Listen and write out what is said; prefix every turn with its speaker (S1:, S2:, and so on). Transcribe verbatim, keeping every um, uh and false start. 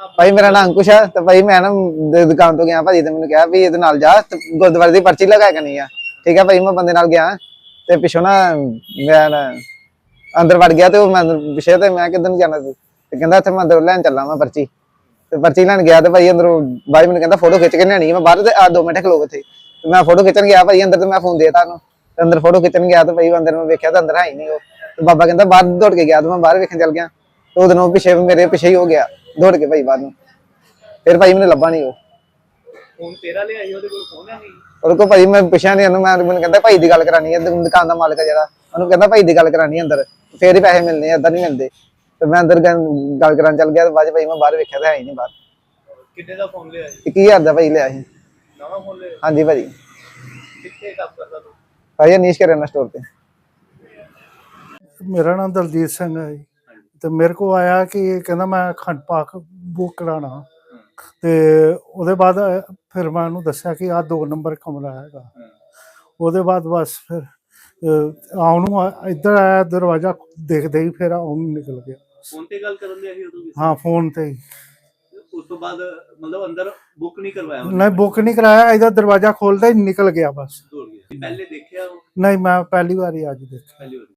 S1: ਭਾਈ ਮੇਰਾ ਨਾਮ ਅੰकुश है तो भाई मैं ना दुकान तो गया भाजी तो मैंने कहा भी ये नाल जा गुरुद्वारे की पर्ची लगा करनी है ठीक है भाई मैं बंदे नाल गया ते पिछों ना मैं अंदर वड़ गया तो मैं पिछे तो मैं किधर जाना सी ते कहंदा इत्थे मैं अंदर लैन चला मैं पर्ची ते पर्ची लैन गया तो भाई अंदरों भाई मैंने कहंदा फोटो खिच के लेनी मैं बाहर ते आ दो मिनट खलो थे तो मैं फोटो खिचन गया भाई अंदर तो मैं फोन देता उन्होंने अंदर फोटो खिचन गया तो भाई अंदर मैं वेख्या तो अंदर है ही नहीं वो तो बाबा कहंदा बाहर दौड़ के गया तो मैं बाहर वेखन चल गया तो उधरों पिछे मेरे पिछे ही हो गया दौड़ के भाई बाहर फिर भाई मैंने लभा नहीं वो
S2: फोन तेरा ले आई ਉਹਦੇ ਕੋਲ ਫੋਨ ਹੈ ਨਹੀਂ
S1: और को भाई मैं पिछा नहीं मैं मैंने कहता भाई दी गल करानी है दुकान का मालिक है जरा उन्होंने कहता भाई दी गल करानी अंदर फिर ही पैसे मिलने इदा नहीं मिलते तो मैं अंदर गल करान चल गया तो बाद भाई मैं बाहर वेख्या तो है ही नहीं बाहर
S2: ਕਿੰਨੇ ਦਾ ਫੋਨ ਲਿਆ ਸੀ
S1: इक्की हजार का भाई लिया ਸੀ
S2: ਨਵਾਂ ਫੋਨ ਲਿਆ
S1: हाँ जी भाई
S2: ਕਿੱਥੇ ਕੰਮ ਕਰਦਾ ਤੂੰ
S1: भाई अनीश करेना स्टोर पे
S3: मेरा नाम दलजीत सिंह है जी तो मेरे को आया कि कहना मैं अखंड पाक बुक कराना तो ਉਹਦੇ बाद फिर मैं ਉਹਨੂੰ ਦੱਸਿਆ कि आ दो नंबर कमरा हैगा ਉਹਦੇ बाद बस फिर ਆਉਣ ਨੂੰ ਇੱਧਰ ਆਇਆ ਦਰਵਾਜ਼ਾ ਦੇਖਦੇ ਹੀ ਫਿਰ ਆਉਣ ਨਿਕਲ ਗਿਆ
S2: ਫੋਨ ਤੇ ਗੱਲ ਕਰਨ ਦੇ ਆਹੀ ਉਦੋਂ ਵੀ
S3: ਹਾਂ ਫੋਨ ਤੇ ਹੀ
S2: ਉਸ ਤੋਂ ਬਾਅਦ ਮਤਲਬ ਅੰਦਰ ਬੁੱਕ ਨਹੀਂ ਕਰਵਾਇਆ
S3: नहीं बुक नहीं कराया इधर दरवाजा खोलता ही निकल गया बस
S2: ਦੌੜ ਗਿਆ ਪਹਿਲੇ ਦੇਖਿਆ ਉਹ
S3: नहीं मैं पहली बार ही आज देखा
S2: ਪਹਿਲੀ ਵਾਰ